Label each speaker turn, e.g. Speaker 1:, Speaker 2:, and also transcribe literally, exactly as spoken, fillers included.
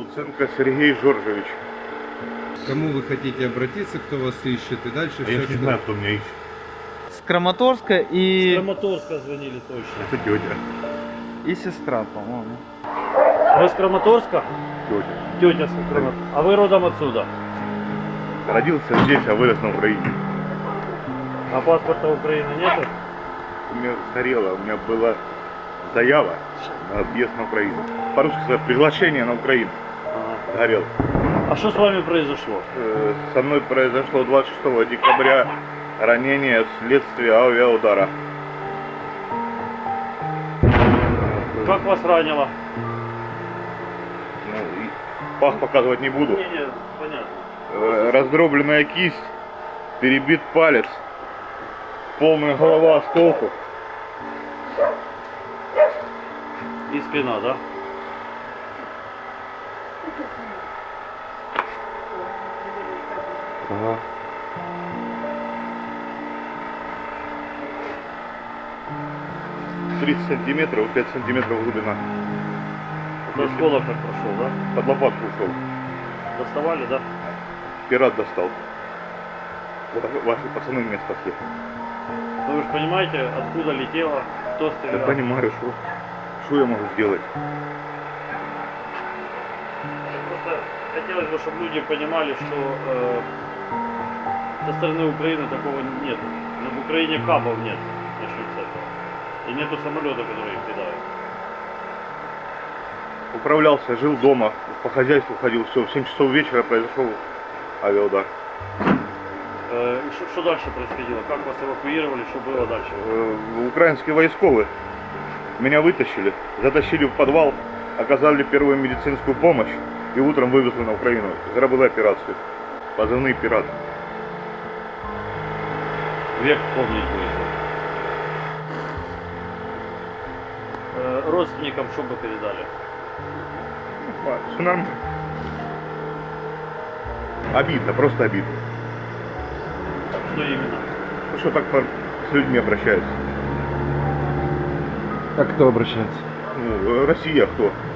Speaker 1: Луценко Сергей Жоржевич.
Speaker 2: К кому вы хотите обратиться, кто вас ищет и дальше
Speaker 1: А
Speaker 2: все,
Speaker 1: я ж не
Speaker 2: что-
Speaker 1: знаю, кто меня ищет.
Speaker 3: С Краматорска
Speaker 4: Из
Speaker 3: и,
Speaker 4: Краматорска звонили точно.
Speaker 1: Это тетя.
Speaker 3: и сестра, по-моему.
Speaker 4: Вы с Краматорска?
Speaker 1: Тетя.
Speaker 4: Тетя с Краматорска. А вы родом отсюда?
Speaker 1: Родился здесь, а вырос на Украине.
Speaker 4: А паспорта Украины нету?
Speaker 1: У меня сгорело, у меня была заява на объезд на Украину. По-русски сказать, приглашение на Украину.
Speaker 4: Ага.
Speaker 1: Сгорел.
Speaker 4: А что с вами произошло?
Speaker 1: Э, Со мной произошло двадцать шестого декабря ранение вследствие авиаудара.
Speaker 4: Как вас ранило?
Speaker 1: Ну, и пах показывать не буду.
Speaker 4: Не, не, понятно.
Speaker 1: Э, Раздробленная кисть, перебит палец, полная голова осколков.
Speaker 4: И спина, да?
Speaker 1: Ага. тридцать сантиметров, пять сантиметров глубина.
Speaker 4: Это осколок так прошел, да?
Speaker 1: Под лопатку ушел.
Speaker 4: Доставали, да?
Speaker 1: Пират достал. Вот ваши пацаны меня спасли.
Speaker 4: Ну вы же понимаете, откуда летело, кто
Speaker 1: Я
Speaker 4: стрелял?
Speaker 1: понимаю, что, что я могу сделать.
Speaker 4: Просто хотелось бы, чтобы люди понимали, что э, со стороны Украины такого нет. Но в Украине капов нет, начнем с этого. И нету самолета, который их кидает.
Speaker 1: Управлялся, жил дома, по хозяйству ходил, все. В семь часов вечера произошел авиаудар.
Speaker 4: Э, и что, что дальше происходило? Как вас эвакуировали, что было дальше?
Speaker 1: Э, Украинские войсковые меня вытащили, затащили в подвал, оказали первую медицинскую помощь и утром вывезли на Украину. Заработали операцию. Позывные «Пират».
Speaker 4: Век помнить будет. Э, родственникам что бы передали?
Speaker 1: Все нормально. Обидно, просто обидно.
Speaker 4: Что именно?
Speaker 1: Ну что так по- с людьми обращаются?
Speaker 2: А кто обращается?
Speaker 1: Ну, Россия кто?